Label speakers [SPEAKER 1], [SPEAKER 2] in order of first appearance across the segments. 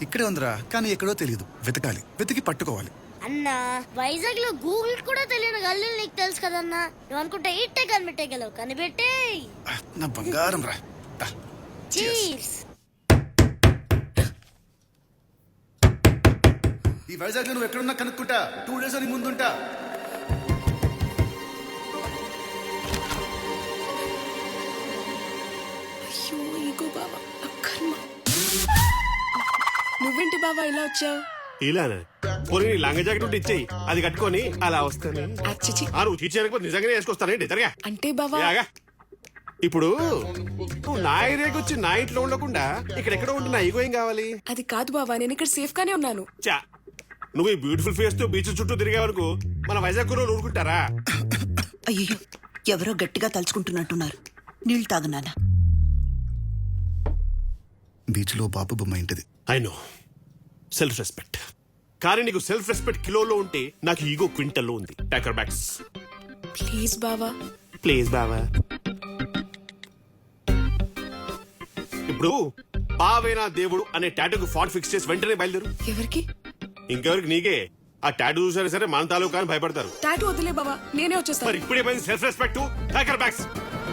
[SPEAKER 1] ఇక్కడే ఉందిరా, కానీ ఎక్కడో తెలియదు. వెతకాలి, వెతికి పట్టుకోవాలి.
[SPEAKER 2] అన్నా వైజాగ్ లో గూగుల్ కూడా తెలియని గల్లీలు నీకు తెలుసు కదన్నా. నువ్వు అనుకుంటే ఇట్టే కనిపెట్టగలవు. కనిపెట్టే
[SPEAKER 1] నా బంగారం రా.
[SPEAKER 2] చీర్స్.
[SPEAKER 1] ఈ వైజాగ్ లో నువ్వు ఎక్కడున్నా కనుక్కుంటా. 2 days అని ముందుంటా.
[SPEAKER 3] అయ్యో ఈగో బావా, అక్కర్మ. నువ్వేంటి బావా ఇలా వచ్చావు?
[SPEAKER 4] ఇలానా? పోనీ లంగ జాకెట్ ఉంటే ఇచ్చేయి, అది కట్టుకొని అలా వస్తాను.
[SPEAKER 3] అచ్చిచి
[SPEAKER 4] నువ్వు తీర్చేయకపోతే నిజంగానే వేసుకొస్తానండి. జరగా
[SPEAKER 3] అంటే బావా
[SPEAKER 4] యాగా. ఇప్పుడు నువ్వు నా ఏరియాకి వచ్చి నా ఇంట్లో ఉండకుండా ఇక్కడెక్కడో ఉంటున్నా ఈగో ఏం కావాలి?
[SPEAKER 3] అది కాదు బావా, నేను ఇక్కడ సేఫ్ గానే ఉన్నాను.
[SPEAKER 4] చా, నువ్వు ఈ బ్యూటిఫుల్ ఫేస్ తో బీచ్ చుట్టూ తిరిగే వరకు మన వైజాగ్ కుర్రోలు ఊరుకుంటారా?
[SPEAKER 5] అయ్యో, ఎవరో గట్టిగా తలుచుకుంటున్నట్టున్నారు. నీళ్ళు తాగనానా?
[SPEAKER 1] బీచ్ లో బాబు బొమ్మ ఇంటిది.
[SPEAKER 4] I know, self respect. కానీ నీకు సెల్ఫ్ రెస్పెక్ట్ కిలోలో ఉంటే నాకు ఈగో క్వింటల్లో ఉంది. టాకర్ బ్యాగ్స్
[SPEAKER 3] ప్లీజ్ బావా.
[SPEAKER 4] ప్లీజ్ బావా. ఇప్పుడు బావేనా దేవుడు అనే టాటూకు ఫాట్ ఫిక్స్ చేసి వెంటనే బయలుదేరు.
[SPEAKER 3] ఎవరికి?
[SPEAKER 4] ఇంకెవరికి? నీకే. ఆ టాటూ చూసారా సరే మన తాలూకా అని భయపడతారు.
[SPEAKER 3] టాటూ వదిలే బావా, నేనే
[SPEAKER 4] మరి
[SPEAKER 3] వచ్చేస్తాను.
[SPEAKER 4] ఇప్పుడే పోయింది self respect. Talker bags.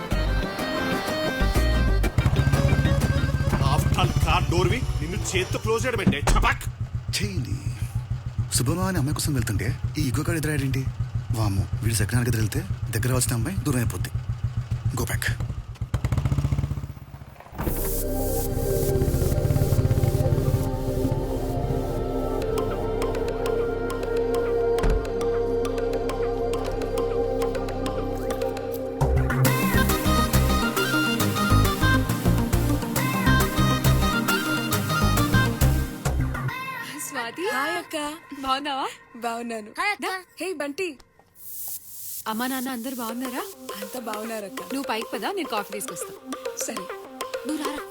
[SPEAKER 4] After all car door వి నిన్ను చేత్తో క్లోజ్ చేయడం అంటే చపాక్.
[SPEAKER 1] చేయండి. శుభమా అని అమ్మాయి కోసం వెళ్తుంటే ఈ ఈగో కాడ ఎదురాడేంటి? వాము, వీడు సెకండ్ ఎదురు వెళ్తే దగ్గర వచ్చిన అమ్మాయి దూరం అయిపోద్ది. Go back.
[SPEAKER 3] స్వాతి. హాయ్ అక్క.
[SPEAKER 6] బాగున్నావా?
[SPEAKER 3] బాగున్నాను.
[SPEAKER 2] హాయ్ అక్క.
[SPEAKER 3] హే బంటి.
[SPEAKER 6] అమ్మా నాన్న అందరు బాగున్నారా?
[SPEAKER 3] అంతా బాగున్నారక్క.
[SPEAKER 6] నువ్వు పైకి పదా, నేను కాఫీ తీసుకొస్తా.
[SPEAKER 3] సరే.
[SPEAKER 6] నువ్వు రారా.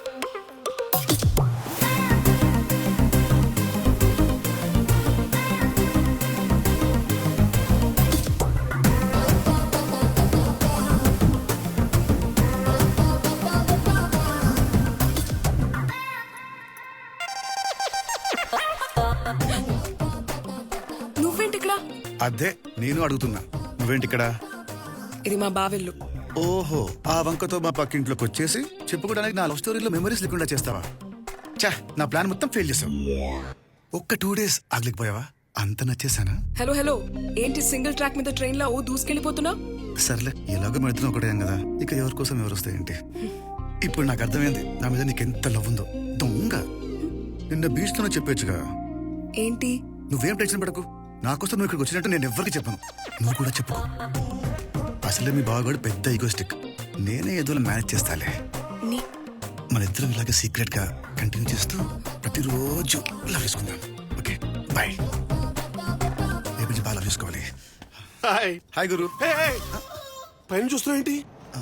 [SPEAKER 3] నువ్వేంటి ఇక్కడ?
[SPEAKER 1] అదే నేను అడుగుతున్నా, నువ్వేంటి ఇక్కడ?
[SPEAKER 3] ఇది మా బావెల్లు.
[SPEAKER 1] ఓహో, ఆ వంకతో మా పక్కింట్లోకి వచ్చేసి చెప్పుకోవడానికి నా లవ్ స్టోరీలో మెమరీస్ లేకుండా చేస్తావా? చా, నా ప్లాన్ మొత్తం ఫెయిల్ చేసావు. ఒక్క 2 days ఆగలేకపోయావా? అంత నచ్చేసానా?
[SPEAKER 3] హలో హలో, ఏంటి సింగిల్ ట్రాక్ మీద ట్రైన్ లో ఓ దూసుకెళ్ళిపోతున్నా?
[SPEAKER 1] సర్లే, ఎలాగో మన ఇద్దరం ఒకటే కదా, ఇక ఎవరి కోసం ఎవరు వస్తాయేంటి? ఇప్పుడు నాకు అర్థమైంది నా మీద నీకెంత లవ్ ఉందో. దొంగ, నిన్న బీచ్ లోనే చెప్పొచ్చుగా.
[SPEAKER 3] ఏంటి?
[SPEAKER 1] నువ్వేం టెన్షన్ పడకు, నాకోసం నువ్వు ఇక్కడికి వచ్చినట్టు నేను ఎవ్వరికి చెప్పను. నువ్వు కూడా చెప్పుకో. అసలే మీ బావగాడు పెద్ద ఈగోస్టిక్. నేనే ఏదో మేనేజ్ చేస్తాలే.
[SPEAKER 3] నీ
[SPEAKER 1] మన ఇద్దరం ఇలాగే సీక్రెట్ గా కంటిన్యూ చేస్తూ ప్రతిరోజు లవ్ చేసుకుందాం. Okay bye. రేపు నుంచి బాగా లవ్ చేసుకోవాలి.
[SPEAKER 4] హాయ్.
[SPEAKER 1] హాయ్ గురు.
[SPEAKER 4] Hey, hey. పైన చూస్తున్నావు ఏంటి?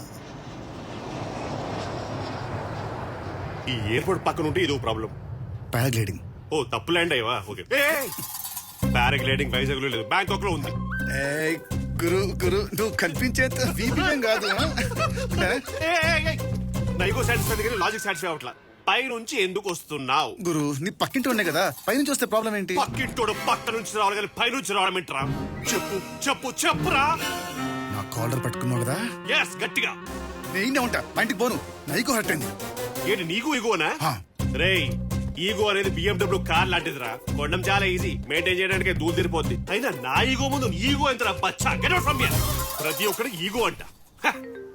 [SPEAKER 4] ఈ ఎయిర్పోర్ట్ పక్కన ఉంటే ఇదో ప్రాబ్లం.
[SPEAKER 1] పారాగ్లైడింగ్.
[SPEAKER 4] ఓ, తప్పు ల్యాండ్ అయ్యవా? ఓకే. పారాగ్లైడింగ్ వైజాగ్ లో లేదు, బ్యాంకాక్ లో ఉంది.
[SPEAKER 1] గురు గురు, నువ్వు కల్పించేంత వీపీఎం కాదు.
[SPEAKER 4] నైగో సాటిస్ఫై కానీ లాజిక్ సాటిస్ఫై అవట్లా. పై నుంచి ఎందుకు వస్తున్నావు?
[SPEAKER 1] గురు, నీ పక్కింటి ఉన్నాయి కదా, పైనుంచి వస్తే ప్రాబ్లం ఏంటి?
[SPEAKER 4] పక్కింటోడు పక్క నుంచి రావాలి కానీ పై నుంచి రావడం ఏంట్రా? చెప్పు చెప్పు చెప్పురా.
[SPEAKER 1] నా కాలర్ పట్టుకున్నావు కదా,
[SPEAKER 4] ఎస్, గట్టిగా.
[SPEAKER 1] నేనే ఉంటా. మా ఇంటికి పోను, నైకు హర్ట్ అయింది.
[SPEAKER 4] ఏంటి నీకు ఈగోనా?
[SPEAKER 1] హా.
[SPEAKER 4] రేయ్, ఈగో అనేది BMW కార్ లాంటిదిరా. కొనడం చాలా ఈజీ, మెయింటైన్ చేయడానికి దూరం తిరిపోద్ది. అయినా నా ఈగో ముందు ఈగో ఎంత బచ్చా? Get out from here. ప్రతి ఒక్కరికి ఈగో అంట. హ.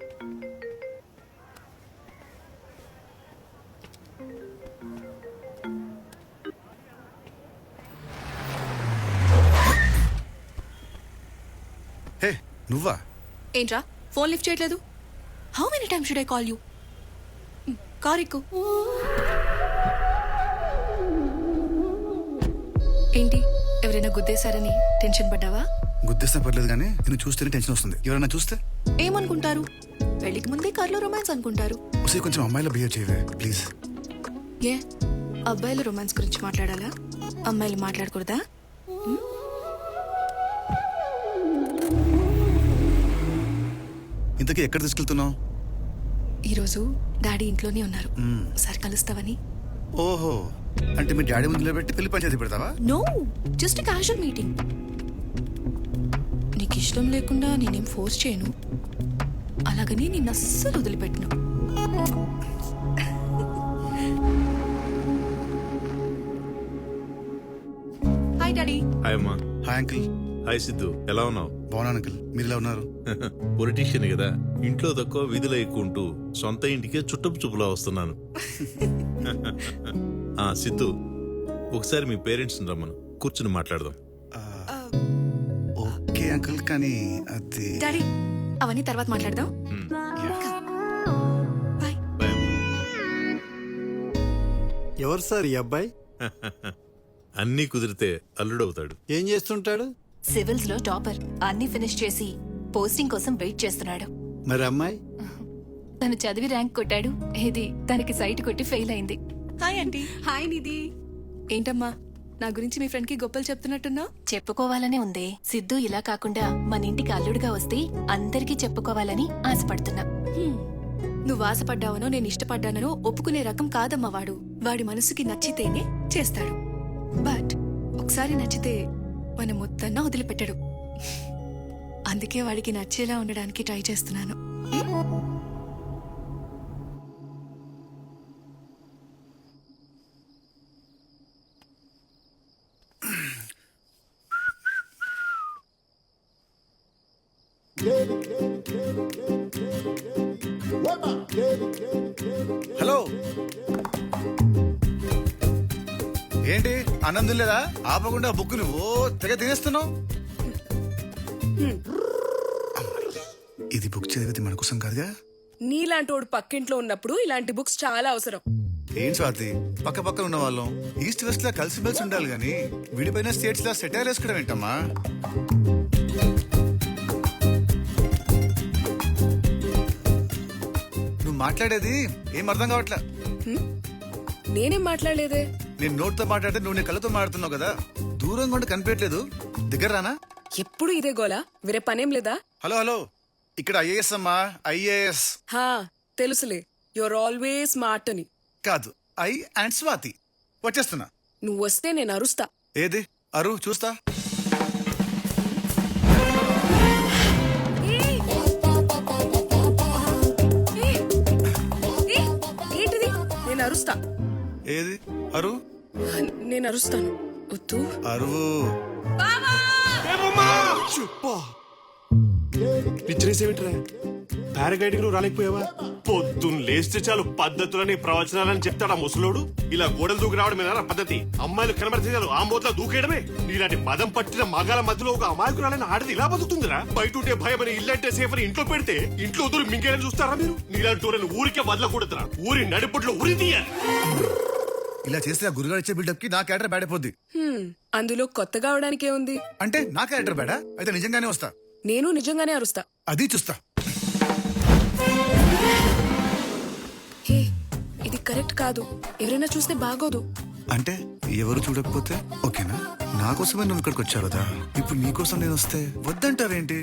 [SPEAKER 1] హే, నువ్వా?
[SPEAKER 6] ఏంట్రా ఫోన్ లిఫ్ట్ చేయట్లేదు? How many times should I call you? Car ఎక్కు. ఏంటి, ఎవరైనా గుద్దేశారని టెన్షన్ పడ్డావా?
[SPEAKER 1] గుద్దేస్తే పర్లేదు కానీ నిన్ను చూస్తేనే టెన్షన్ వస్తుంది. ఎవరైనా చూస్తే
[SPEAKER 6] ఏమనుకుంటారు? పెళ్లికి ముందే కార్లో రొమాన్స్ అనుకుంటారు.
[SPEAKER 1] ఒకసారి కొంచెం అమ్మాయిలో బిహేవ్ చేయవే ప్లీజ్.
[SPEAKER 6] ఏ, అబ్బాయిలు రొమాన్స్ గురించి మాట్లాడాలా? అమ్మాయిలు మాట్లాడకూడదా?
[SPEAKER 1] ఇంతకీ ఎక్కడ తీసుకెళ్తున్నావు?
[SPEAKER 6] ఈరోజు డాడీ ఇంట్లోనే ఉన్నారు, ఒకసారి కలుస్తావని.
[SPEAKER 1] ఓహో, అంటే మీ డాడీ ముందులో పెట్టి పెళ్లి పంచాయతీ పెడతావా?
[SPEAKER 6] No, just casual meeting. నీకు ఇష్టం లేకుండా నేనేం ఫోర్స్ చేయను, అలాగని నిన్ను అస్సలు వదిలిపెట్టను. Hi daddy.
[SPEAKER 7] హాయ్ అమ్మా.
[SPEAKER 1] Hi uncle.
[SPEAKER 7] హాయ్ సిద్ధు, ఎలా ఉన్నావు?
[SPEAKER 1] బాగున్నాను అంకిల్, మీరు ఎలా ఉన్నారు?
[SPEAKER 7] పొలిటీషియన్ కదా, ఇంట్లో తక్కువ వీధిలో ఎక్కువ ఉంటూ సొంత ఇంటికే చుట్టపు చూపులా వస్తున్నాను. సిద్ధు, ఒకసారి మీ పేరెంట్స్ రమ్మను, కూర్చుని మాట్లాడదాం.
[SPEAKER 1] ఓకే అంకిల్, కానీ అది
[SPEAKER 6] డాడీ అవన్నీ తర్వాత మాట్లాడదాం. బాయ్.
[SPEAKER 7] భయం.
[SPEAKER 8] ఎవరు సార్ ఈ అబ్బాయి?
[SPEAKER 7] అన్నీ కుదిరితే అల్లుడవుతాడు.
[SPEAKER 8] ఏం చేస్తుంటాడు?
[SPEAKER 9] సివిల్స్ లో టాపర్, అన్ని ఫినిష్ చేసి పోస్టింగ్ కోసం వెయిట్ చేస్తున్నాడు.
[SPEAKER 8] మరి అమ్మాయి?
[SPEAKER 9] తను చదివి ర్యాంక్ కొట్టాడు, ఇది తనకి సైట్ కొట్టి ఫెయిల్ అయింది.
[SPEAKER 6] Hi aunty. హాయ్ నిధి. ఏంటమ్మా నా గురించి మీ ఫ్రెండ్ కి గొప్పలు చెప్తున్నట్టున్నా?
[SPEAKER 9] చెప్పుకోవాలనే ఉందే. సిద్ధు ఇలా కాకుండా మన ఇంటికి అల్లుడుగా వస్తే అందరికీ చెప్పుకోవాలని ఆశపడుతున్నా.
[SPEAKER 6] నువ్వు ఆశపడ్డావనో నేను ఇష్టపడ్డానో ఒప్పుకునే రకం కాదమ్మా వాడు. వాడి మనసుకి నచ్చితేనే చేస్తాడు. బట్ ఒకసారి నచ్చితే మన మొత్తన్నా వదిలిపెట్టడు. అందుకే వాడికి నచ్చేలా ఉండడానికి ట్రై చేస్తున్నాను.
[SPEAKER 1] హలో, ఏంటి ఆనందం లేదా? ఆపకుండా బుక్ నువ్వు తెగ తినేస్తున్నావు. ఇది బుక్ చదివితే మన కోసం కాదుగా.
[SPEAKER 3] నీలాంటి వాడు పక్కింట్లో ఉన్నప్పుడు ఇలాంటి బుక్స్ చాలా అవసరం.
[SPEAKER 1] ఏం స్వాతి, పక్క పక్కన ఉన్న వాళ్ళం ఈస్ట్ వెస్ట్ లా కలిసి మెలిసి ఉండాలి గాని విడిపోయిన స్టేట్స్ లా సెటైర్ వేసుకోవడం ఏంటమ్మా? నువ్వు మాట్లాడేది ఏం అర్థం కావట్లా.
[SPEAKER 3] నేనేం మాట్లాడలేదే.
[SPEAKER 1] నేను నోట్తో మాట్లాడితే నువ్వు నీ కళ్ళతో మాట్లాడుతున్నావు కదా. దూరంగా ఉండి కనిపించట్లేదు, దగ్గర రానా?
[SPEAKER 3] ఎప్పుడు ఇదే గోలా, వేరే పనేం లేదా?
[SPEAKER 1] హలో హలో, ఇక్కడ ఐఏఎస్ అమ్మా, ఐఏఎస్
[SPEAKER 3] హా తెలుసులే, యువర్ ఆల్వేస్ స్మార్ట్ అని.
[SPEAKER 1] కాదు, ఐ అండ్ స్వాతి. వచ్చేస్తున్నా.
[SPEAKER 3] నువ్వు వస్తే నేను అరుస్తా.
[SPEAKER 1] ఏది అరు చూస్తా.
[SPEAKER 3] ఏంటిది? నేను అరుస్తా.
[SPEAKER 1] ఏది అరు?
[SPEAKER 3] నేను అరుస్తాను. వద్దు.
[SPEAKER 1] అరువు.
[SPEAKER 4] పిచ్చరేసేమిట్రా? పారాగ్లైడింగ్ నువ్వు రాలేకపోయావా? పొద్దున్న లేస్తే చాలు పద్ధతులని ప్రవచనాలని చెప్తాడా ముసలోడు. ఇలా గోడలు దూకి రావడం మీద పద్ధతి? అమ్మాయిలు కనబడితే చాలు ఆ మూతలో దూకేయడమే. నీలాంటి మదం పట్టిన మగాల మధ్యలో ఒక అమాయకురాలని ఆడది ఇలా బతుకుతుందిరా? బయట ఉంటే భయం అని, ఇల్లంటే సేఫ్ అని ఇంట్లో పెడితే ఇంట్లో దూరం మింగేయని చూస్తారా మీరు? నీలాంటి ఊరిని ఊరికే వదలకూడదురా. ఊరి నడిపట్లో ఉరి తీయాలి.
[SPEAKER 1] ఇలా చేస్తే ఆ గురుగారు ఇచ్చే బిల్డప్ కి నా క్యారెక్టర్ బ్యాడ్ అయిపోద్ది.
[SPEAKER 3] అందులో కొత్తగా అవడానికే ఉంది.
[SPEAKER 1] అంటే నా క్యారెక్టర్ బ్యాడా? అయితే నిజంగానే వస్తా.
[SPEAKER 3] నేను నిజంగానే అరుస్తా.
[SPEAKER 1] అది చూస్తా.
[SPEAKER 3] హే, ఇది కరెక్ట్ కాదు. ఎవరైనా చూస్తే బాగోదు.
[SPEAKER 1] అంటే ఎవరు చూడకపోతే ఓకేనా? నా కోసమే నువ్వు ఇక్కడికి వచ్చావు కదా, ఇప్పుడు నీ కోసం నేను వస్తే వద్దంటావేంటి?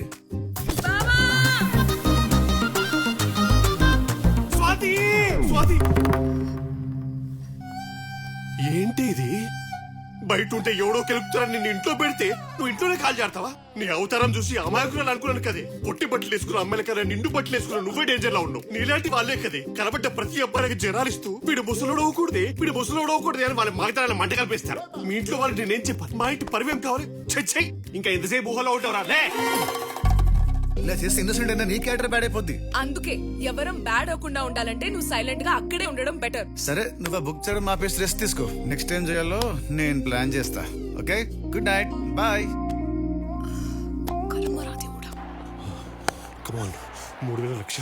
[SPEAKER 4] స్వాతి, స్వాతి, ఏంటి ఇది? బయట ఉంటే ఎవడో కెలుపుతారని నిన్ను ఇంట్లో పెడితే నువ్వు ఇంట్లోనే కాల్ చేస్తావా? నీ అవతారం చూసి అమాయకురాలు అనుకున్నాను కదే. పొట్టి బట్టలు వేసుకున్న అమ్మాయిల కదా నిండు బట్టలు వేసుకున్న నువ్వే డేంజర్ లో ఉన్నావు. నీలాంటి వాళ్ళే కదే కనబడ్డ ప్రతి అబ్బాయికి జనాలిస్తూ వీడు ముసలోడు అవ్వకూడదే అని వాళ్ళ మగతనాన్ని మంట కల్పిస్తారు. మీ ఇంట్లో వాళ్ళు నేనేం చెప్పాను? మా ఇంటి పరివేం కావాలి? చచ్చై, ఇంకా ఎంతసేపు ఊహలో ఉంటావురా?
[SPEAKER 1] ఇలా చేస్తే ఇన్నోసెంట్ అయినా నీ క్యారెక్టర్ బ్యాడ్ అయిపోద్ది.
[SPEAKER 3] అందుకే ఎవరం బ్యాడ్ అవ్వకుండా ఉండాలంటే నువ్వు సైలెంట్ గా అక్కడే ఉండడం బెటర్.
[SPEAKER 1] సరే, నువ్వు ఆ బుక్ చేయడం ఆపేసి రెస్ట్ తీసుకో. నెక్స్ట్ టైం చేయాలో నేను ప్లాన్ చేస్తా. Okay, good night, bye.
[SPEAKER 4] Come on, 3,000 lakh.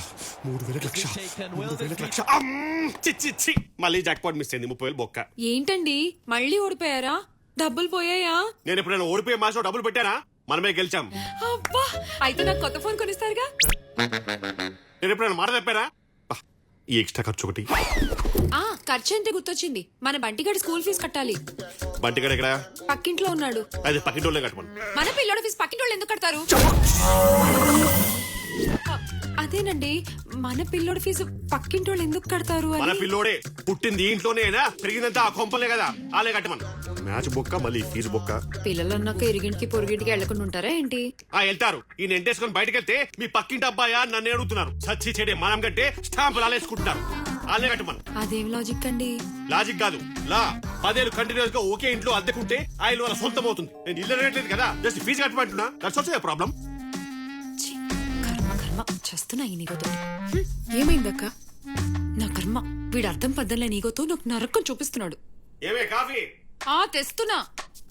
[SPEAKER 4] మళ్ళీ జాక్పాట్ మిస్ అయింది. 30,000 బొక్క.
[SPEAKER 6] ఏంటండి మళ్ళీ ఓడిపోయారా? డబ్బులు పోయాయా?
[SPEAKER 4] నేను ఎప్పుడైనా ఓడిపోయే మాసం డబ్బులు పెట్టానా? మనమే గెలిచాం.
[SPEAKER 6] అబ్బా, అయితే నాకు కొత్త ఫోన్ కొనిస్తారుగా?
[SPEAKER 4] నేను ఎప్పుడైనా మాట తప్పారా? ఈ ఎక్స్ట్రా ఖర్చు ఒకటి.
[SPEAKER 6] ఖర్చు అంటే గుర్తొచ్చింది, మన బంటిగాడి స్కూల్ ఫీజు కట్టాలి.
[SPEAKER 4] బంటిగాడు ఎక్కడ?
[SPEAKER 6] పక్కింట్లో ఉన్నాడు.
[SPEAKER 4] అది పక్కింటోళ్ళే కట్టమను.
[SPEAKER 6] మన పిల్లోడి ఫీజు పక్కింటోళ్ళు ఎందుకు కడతారు?
[SPEAKER 3] అదేనండి మన పిల్లోడి ఫీజు పక్కింటి వాళ్ళు ఎందుకు కడతారు
[SPEAKER 4] మన
[SPEAKER 3] అని
[SPEAKER 4] పిల్లోడే పుట్టింది ఇంట్లోనేనా పెరిగిందంతా ఆ కొంపలే కదా ఆలే కట్టమను మ్యాచ్ బొక్క మళ్ళీ ఫీజు బొక్క
[SPEAKER 3] పిల్లలు అన్నాక ఇరిగింటికి పొరుగింటికి వెళ్లకుండా ఉంటారా ఏంటి
[SPEAKER 4] వెళ్తారు ఈయన ఎంటేసుకొని బయటకు వెళ్తే మీ పక్కింటి అబ్బాయా నన్ను అడుగుతున్నారు సచ్చి చెడే మనం కంటే స్టాంపులు ఆలేసుకుంటున్నారు ఆలే కట్టమను
[SPEAKER 3] అదేం లాజిక్ అండి
[SPEAKER 4] లాజిక్ కాదు లా 10 ఏళ్ళు కంటిన్యూస్ గా ఒకే ఇంట్లో అద్దెకుంటే ఆయన వాళ్ళ సొంతం అవుతుంది నేను ఇల్లు రేట్లేదు కదా జస్ట్ ఫీజు కట్టమంటున్నా దట్స్ ఆల్సో ప్రాబ్లం
[SPEAKER 3] ఛీ, కర్మ కర్మ చేస్తున్నా ఈ నీగోతో ఏమైందక్క నా కర్మ వీడు అర్థం పద్దలే నీగోతో నాకు నరకం చూపిస్తున్నాడు
[SPEAKER 4] ఏమే కాఫీ
[SPEAKER 3] తెస్తున్నా